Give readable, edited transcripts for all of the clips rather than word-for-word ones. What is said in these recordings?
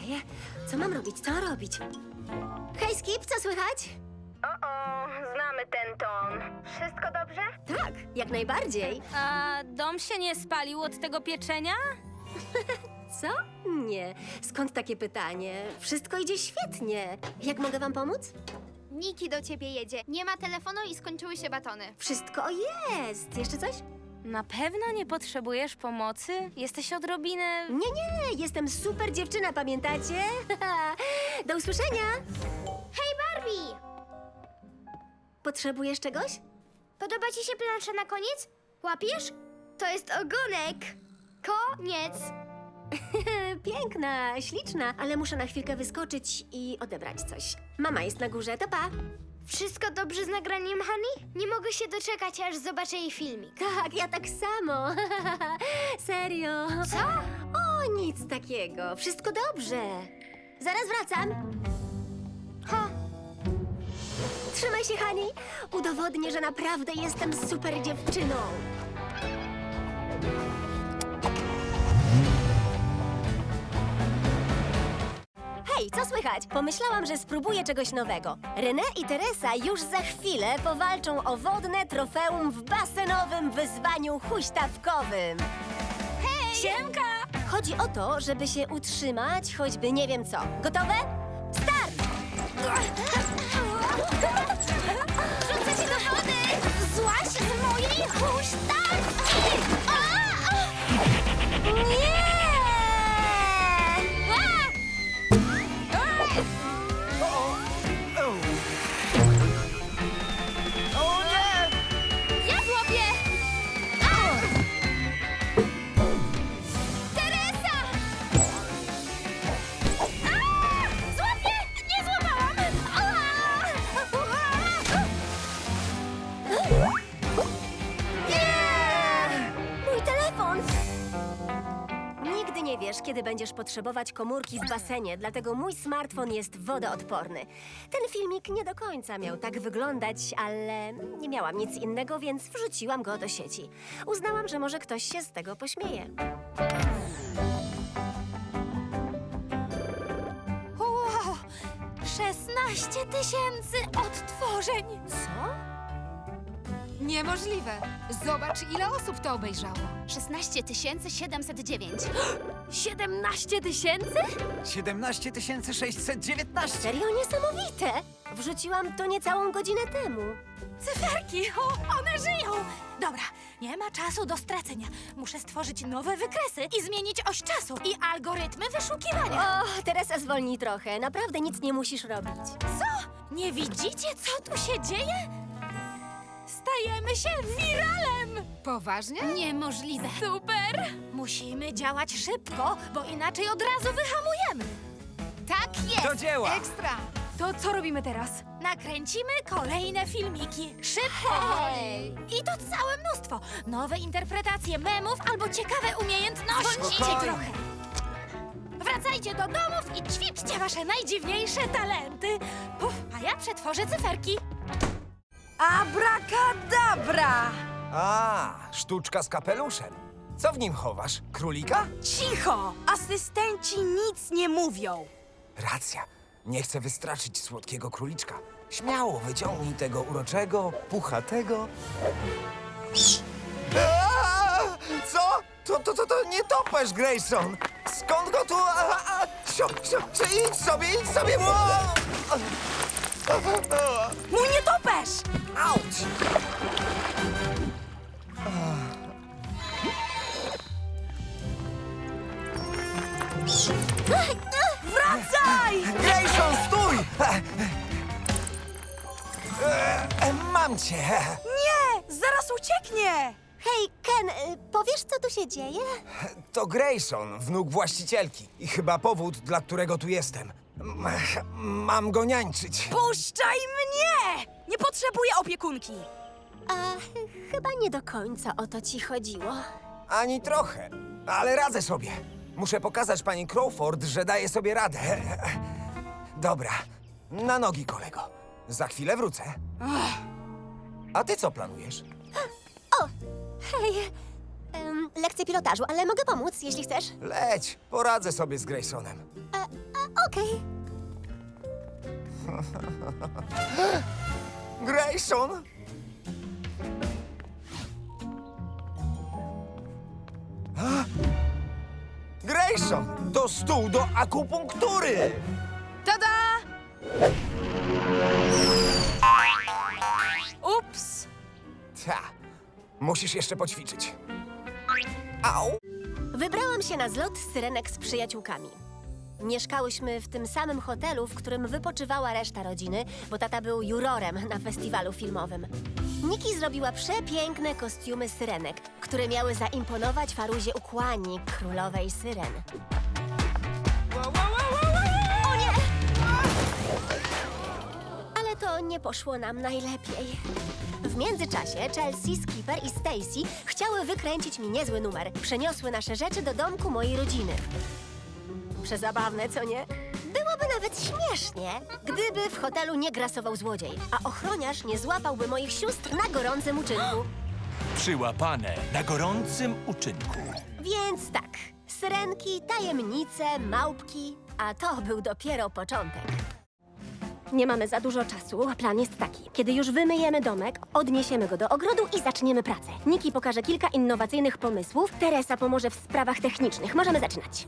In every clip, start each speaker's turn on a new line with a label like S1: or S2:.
S1: Okej, co mam robić, co mam robić? Hej, Skip, co słychać?
S2: Znamy ten ton. Wszystko dobrze?
S1: Tak, jak najbardziej.
S3: A dom się nie spalił od tego pieczenia?
S1: Co? Nie. Skąd takie pytanie? Wszystko idzie świetnie. Jak mogę wam pomóc?
S4: Niki do ciebie jedzie. Nie ma telefonu i skończyły się batony.
S1: Wszystko jest. Jeszcze coś?
S3: Na pewno nie potrzebujesz pomocy? Jesteś odrobinę...
S1: Nie, jestem super dziewczyna, pamiętacie? Do usłyszenia.
S4: Hej, Barbie!
S1: Potrzebujesz czegoś?
S4: Podoba ci się plansza na koniec? Łapiesz? To jest ogonek. Koniec.
S1: Piękna, śliczna, ale muszę na chwilkę wyskoczyć i odebrać coś. Mama jest na górze, to pa.
S4: Wszystko dobrze z nagraniem Hani? Nie mogę się doczekać, aż zobaczę jej filmik.
S1: Tak, ja tak samo. Serio.
S4: Co?
S1: O, nic takiego. Wszystko dobrze. Zaraz wracam.
S4: Ha,
S1: Trzymaj się, Hani. Udowodnię, że naprawdę jestem super dziewczyną. Hej, co słychać? Pomyślałam, że spróbuję czegoś nowego. René i Teresa już za chwilę powalczą o wodne trofeum w basenowym wyzwaniu huśtawkowym. Hej! Siemka! Chodzi o to, żeby się utrzymać, choćby nie wiem co. Gotowe? Start!
S4: rzucę cię do wody! Złaź z mojej huśtawki!
S1: Nie!
S5: O nie!
S4: Ja złapię! Teresa! Złapię! Nie złapałam!
S1: Mój telefon! Nigdy nie wiesz, kiedy będziesz potrzebować komórki w basenie, dlatego mój smartfon jest wodoodporny. Ten filmik nie do końca miał tak wyglądać, ale nie miałam nic innego, więc wrzuciłam go do sieci. Uznałam, że może ktoś się z tego pośmieje.
S3: Wow! 16 000 odtworzeń!
S1: Co?
S6: Niemożliwe. Zobacz, ile osób to obejrzało.
S4: 16 709.
S1: 17 000?
S5: 17 619.
S1: Serio niesamowite! Wrzuciłam to niecałą godzinę temu.
S3: Cyferki! O, one żyją! Dobra, nie ma czasu do stracenia. Muszę stworzyć nowe wykresy i zmienić oś czasu i algorytmy wyszukiwania.
S1: O, Teresa, zwolnij trochę. Naprawdę nic nie musisz robić.
S3: Co? Nie widzicie, co tu się dzieje? Stajemy się wiralem!
S6: Poważnie?
S3: Niemożliwe. Super! Musimy działać szybko, bo inaczej od razu wyhamujemy.
S4: Tak jest!
S5: Do dzieła!
S6: Ekstra!
S3: To co robimy teraz? Nakręcimy kolejne filmiki. Szybko!
S1: Hej!
S3: I to całe mnóstwo. Nowe interpretacje memów albo ciekawe umiejętności.
S5: Spokojnie.
S3: Trochę. Wracajcie do domów i ćwiczcie wasze najdziwniejsze talenty. Puf, a ja przetworzę cyferki.
S7: Abracadabra!
S5: A, sztuczka z kapeluszem. Co w nim chowasz? Królika?
S7: Cicho! Asystenci nic nie mówią.
S5: Racja. Nie chcę wystraszyć słodkiego króliczka. Śmiało wyciągnij tego uroczego, puchatego... Aaa! Co? To nie topesz, Grayson! Skąd go tu... Idź sobie!
S7: Mój nietoperz!
S5: Auć!
S7: Wracaj!
S5: Grayson, stój! Mam cię!
S7: Nie! Zaraz ucieknie!
S1: Hej, Ken, powiesz, co tu się dzieje?
S5: To Grayson, wnuk właścicielki. I chyba powód, dla którego tu jestem. Mam go niańczyć.
S7: Puszczaj mnie! Nie potrzebuję opiekunki.
S1: A chyba nie do końca o to ci chodziło.
S5: Ani trochę, ale radzę sobie. Muszę pokazać pani Crawford, że daję sobie radę. Dobra, na nogi, kolego. Za chwilę wrócę. A ty co planujesz?
S1: Hej, lekcje pilotażu, ale mogę pomóc, jeśli chcesz.
S5: Leć, poradzę sobie z Graysonem.
S1: Okej.
S5: Grayson! A? Grayson! To stół do akupunktury!
S7: Tada! Ups!
S5: Ta, musisz jeszcze poćwiczyć. Au!
S1: Wybrałam się na zlot syrenek z przyjaciółkami. Mieszkałyśmy w tym samym hotelu, w którym wypoczywała reszta rodziny, bo tata był jurorem na festiwalu filmowym. Niki zrobiła przepiękne kostiumy syrenek, które miały zaimponować Faruzie Ukłani, królowej syren. O nie! Ale to nie poszło nam najlepiej. W międzyczasie Chelsea, Skipper i Stacy chciały wykręcić mi niezły numer. Przeniosły nasze rzeczy do domku mojej rodziny. Przezabawne, co nie? Byłoby nawet śmiesznie, gdyby w hotelu nie grasował złodziej, a ochroniarz nie złapałby moich sióstr na gorącym uczynku.
S8: Przyłapane na gorącym uczynku.
S1: Więc tak, syrenki, tajemnice, małpki, a to był dopiero początek. Nie mamy za dużo czasu, a plan jest taki. Kiedy już wymyjemy domek, odniesiemy go do ogrodu i zaczniemy pracę. Niki pokaże kilka innowacyjnych pomysłów, Teresa pomoże w sprawach technicznych. Możemy zaczynać.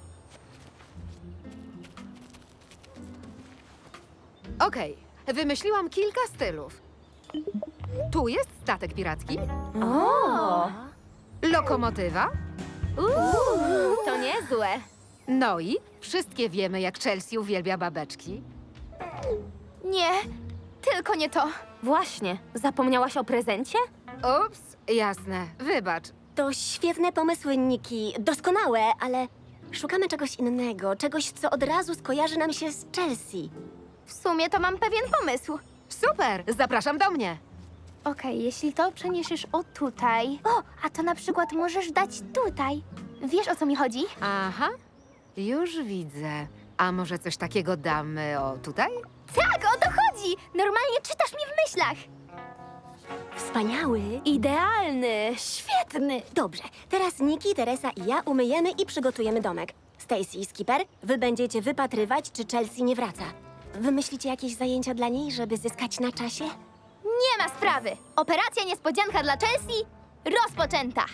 S6: Okej, wymyśliłam kilka stylów. Tu jest statek piracki,
S1: O!
S6: lokomotywa,
S1: To niezłe.
S6: no i wszystkie wiemy, jak Chelsea uwielbia babeczki.
S4: Nie, tylko nie to.
S1: Właśnie, zapomniałaś o prezencie?
S6: Ups, jasne, wybacz.
S1: To świetne pomysły, Niki. Doskonałe, ale szukamy czegoś innego. Czegoś, co od razu skojarzy nam się z Chelsea.
S4: W sumie to mam pewien pomysł.
S6: Super, zapraszam do mnie.
S4: Okej, jeśli to przeniesiesz o tutaj... O, a to na przykład możesz dać tutaj. Wiesz, o co mi chodzi?
S6: Aha, już widzę. A może coś takiego damy o tutaj?
S4: Tak, o to chodzi! Normalnie czytasz mi w myślach.
S1: Wspaniały. Idealny. Świetny. Dobrze, teraz Niki, Teresa i ja umyjemy i przygotujemy domek. Stacy i Skipper, wy będziecie wypatrywać, czy Chelsea nie wraca. Wymyślicie jakieś zajęcia dla niej, żeby zyskać na czasie?
S4: Nie ma sprawy. Operacja niespodzianka dla Chelsea rozpoczęta.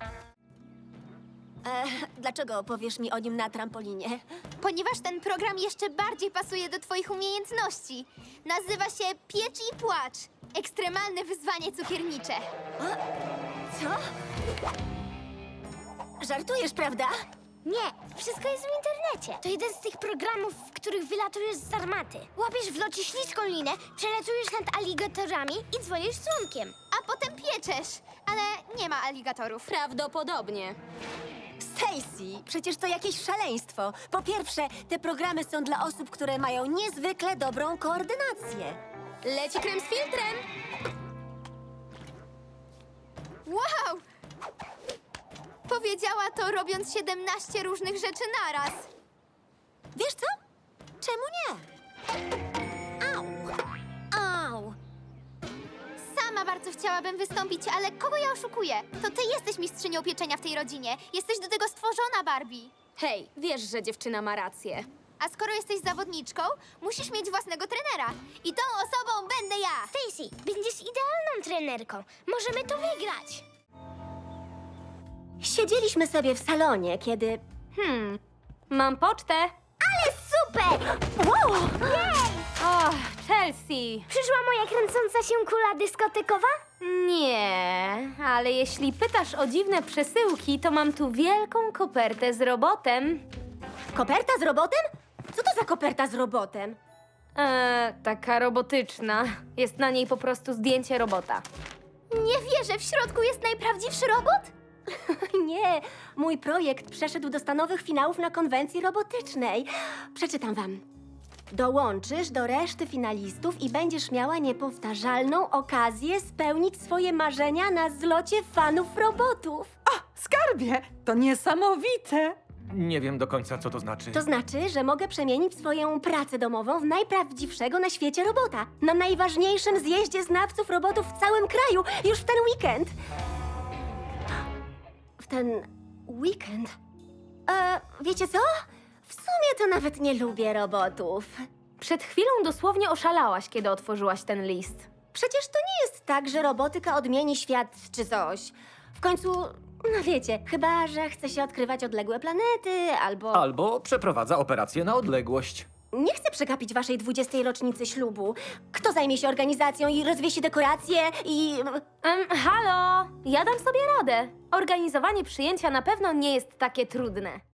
S1: Dlaczego powiesz mi o nim na trampolinie?
S4: Ponieważ ten program jeszcze bardziej pasuje do twoich umiejętności. Nazywa się Piecz i Płacz. Ekstremalne wyzwanie cukiernicze.
S1: Co? Żartujesz, prawda?
S4: Nie, wszystko jest w internecie. To jeden z tych programów, w których wylatujesz z armaty. Łapiesz w locie śliską linę, przelatujesz nad aligatorami i dzwonisz dzwonkiem. A potem pieczesz. Ale nie ma aligatorów.
S1: Prawdopodobnie. Stacy, przecież to jakieś szaleństwo. Po pierwsze, te programy są dla osób, które mają niezwykle dobrą koordynację. Leci krem z filtrem.
S4: Wow! Powiedziała to, robiąc 17 różnych rzeczy naraz.
S1: Wiesz co? Czemu nie? Au! Au!
S4: Sama bardzo chciałabym wystąpić, ale kogo ja oszukuję? To ty jesteś mistrzynią pieczenia w tej rodzinie. Jesteś do tego stworzona, Barbie.
S9: Hej, wiesz, że dziewczyna ma rację.
S4: A skoro jesteś zawodniczką, musisz mieć własnego trenera. I tą osobą będę ja. Stacy, będziesz idealną trenerką. Możemy to wygrać.
S1: Siedzieliśmy sobie w salonie, kiedy... Mam pocztę.
S4: Ale super!
S1: Wow!
S9: O, Chelsea!
S4: Przyszła moja kręcąca się kula dyskotekowa?
S9: Nie, ale jeśli pytasz o dziwne przesyłki, to mam tu wielką kopertę z robotem.
S1: Koperta z robotem? Co to za koperta z robotem?
S9: Taka robotyczna. Jest na niej po prostu zdjęcie robota.
S4: Nie wierzę, w środku jest najprawdziwszy robot?
S1: Nie, mój projekt przeszedł do stanowych finałów na konwencji robotycznej. Przeczytam wam. Dołączysz do reszty finalistów i będziesz miała niepowtarzalną okazję spełnić swoje marzenia na zlocie fanów robotów.
S7: Skarbie, to niesamowite!
S10: Nie wiem do końca, co to znaczy.
S1: To znaczy, że mogę przemienić swoją pracę domową w najprawdziwszego na świecie robota. Na najważniejszym zjeździe znawców robotów w całym kraju, już w ten weekend. W ten weekend? Wiecie co? W sumie to nawet nie lubię robotów.
S9: Przed chwilą dosłownie oszalałaś, kiedy otworzyłaś ten list.
S1: Przecież to nie jest tak, że robotyka odmieni świat czy coś. W końcu, no wiecie, chyba że chce się odkrywać odległe planety albo...
S10: Albo przeprowadza operację na odległość.
S1: Nie chcę przegapić waszej 20. rocznicy ślubu. Kto zajmie się organizacją i rozwiesi dekoracje i...
S9: Halo! Ja dam sobie radę. Organizowanie przyjęcia na pewno nie jest takie trudne.